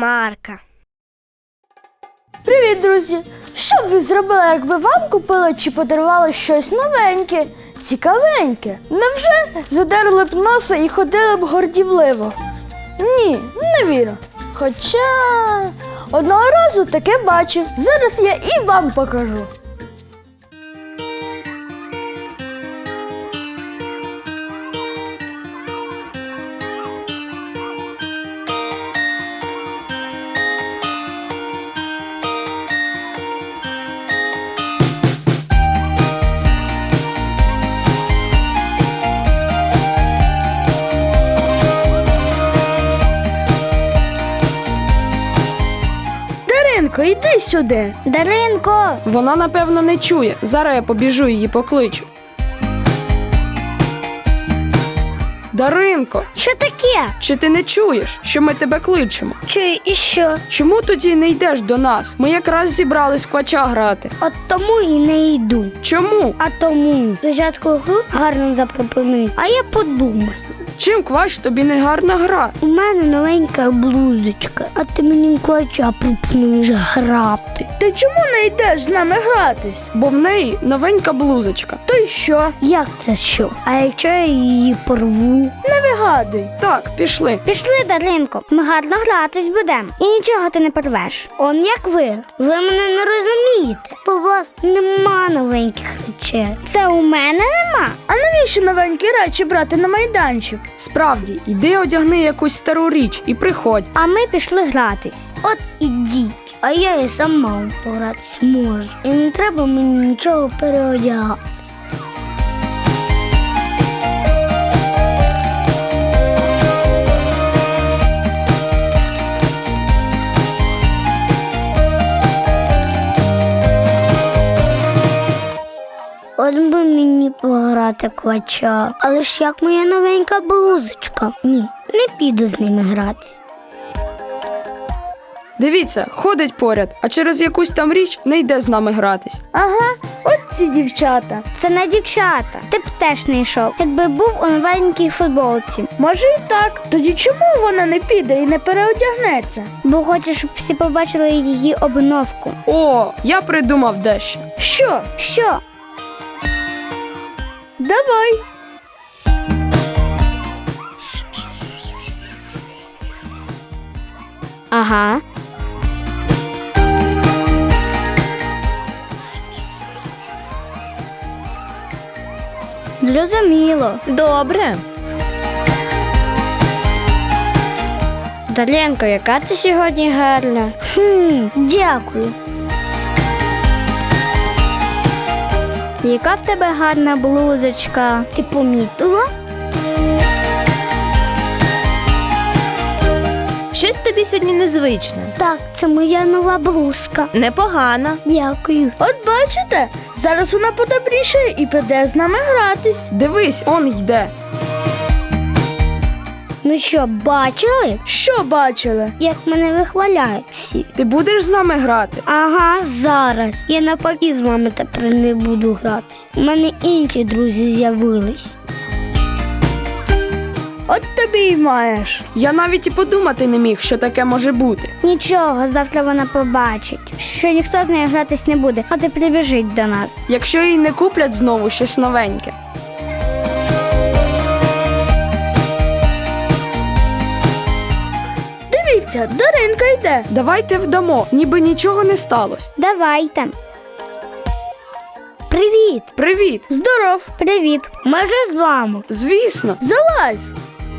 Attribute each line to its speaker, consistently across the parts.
Speaker 1: Марка.
Speaker 2: Привіт, друзі! Що б ви зробили, якби вам купили чи подарували щось новеньке, цікавеньке? Невже задерли б носа і ходили б гордівливо? Ні, не вірю. Хоча одного разу таке бачив. Зараз я і вам покажу. Даринко, йди сюди.
Speaker 1: Даринко!
Speaker 3: Вона, напевно, не чує. Зараз я побіжу її покличу. Даринко,
Speaker 1: Що таке?
Speaker 3: чи ти не чуєш, що ми тебе кличемо?
Speaker 1: Чую, і що?
Speaker 3: Чому тоді не йдеш до нас? Ми якраз зібрались в квача грати.
Speaker 1: От тому і не йду.
Speaker 3: Чому?
Speaker 1: А тому спочатку гру гарно запропонуй, а я подумаю.
Speaker 3: Чим квач тобі не гарна гра?
Speaker 1: У мене новенька блузочка, а ти мені квача пропонуєш грати.
Speaker 2: Ти чому не йдеш з нами гратись?
Speaker 3: Бо в неї новенька блузочка.
Speaker 2: То й що?
Speaker 1: Як це що? А якщо я її порву?
Speaker 2: Не вигадуй.
Speaker 3: Так, пішли.
Speaker 1: Пішли, Даринко, ми гарно гратись будемо. І нічого ти не порвеш. Он як ви. Ви мене не розумієте. Бо у вас нема новеньких речей. Це у мене нема.
Speaker 2: А навіщо новенькі речі брати на майданчик?
Speaker 3: Справді, йди одягни якусь стару річ і приходь.
Speaker 1: А ми пішли гратись. От ідіть. А я і сама погратись можу. І не треба мені нічого переодягати. От би мені пограти квача. Але ж як моя новенька блузочка? Ні, не піду з ними гратись.
Speaker 3: Дивіться, ходить поряд, а через якусь там річ не йде з нами гратись.
Speaker 2: Ага, от ці дівчата.
Speaker 1: Це не дівчата. Ти б теж не йшов, якби був у новенькій футболці.
Speaker 2: Може і так. Тоді чому вона не піде і не переодягнеться?
Speaker 1: Бо хочеш, щоб всі побачили її обновку.
Speaker 3: О, я придумав дещо.
Speaker 2: Що?
Speaker 1: Що?
Speaker 2: Давай.
Speaker 1: Ага. Зрозуміло.
Speaker 2: Добре.
Speaker 1: Дар'янко, яка ти сьогодні гарна. Дякую. Яка в тебе гарна блузочка? Ти помітила?
Speaker 4: Щось тобі сьогодні незвичне.
Speaker 1: Так, це моя нова блузка.
Speaker 4: Непогано.
Speaker 1: Дякую.
Speaker 2: От бачите, зараз вона подобрішає і піде з нами гратись.
Speaker 3: Дивись, он йде.
Speaker 1: Ну що, бачили,
Speaker 2: Що бачили?
Speaker 1: як мене вихваляють всі?
Speaker 3: Ти будеш з нами грати?
Speaker 1: Ага, зараз. Я навпаки з вами тепер не буду гратись. У мене інші друзі з'явились.
Speaker 2: От тобі й маєш.
Speaker 3: Я навіть і подумати не міг, що таке може бути.
Speaker 1: Нічого, завтра вона побачить, що ніхто з нею гратись не буде, от і прибіжить до нас.
Speaker 3: Якщо їй не куплять знову щось новеньке.
Speaker 2: Дивіться, Даринка йде.
Speaker 3: Давайте вдамо, ніби нічого не сталося.
Speaker 1: Давайте. Привіт.
Speaker 3: Привіт!
Speaker 2: Здоров.
Speaker 1: Привіт. Ми вже з вами.
Speaker 3: Звісно.
Speaker 2: Залазь.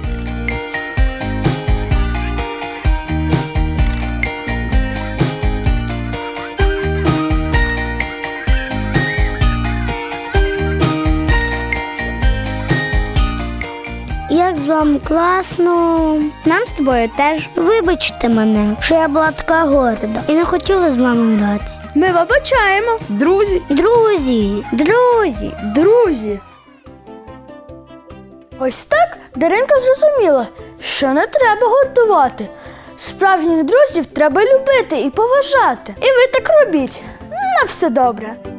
Speaker 1: Як з вами класно. Нам з тобою теж. Вибачте мене, що я була така горда і не хотіла з вами гратися.
Speaker 2: Ми вибачаємо.
Speaker 3: Друзі,
Speaker 1: Друзі.
Speaker 2: Друзі. Ось так Даринка зрозуміла, що не треба гордувати. Справжніх друзів треба любити і поважати. І ви так робіть. На все добре.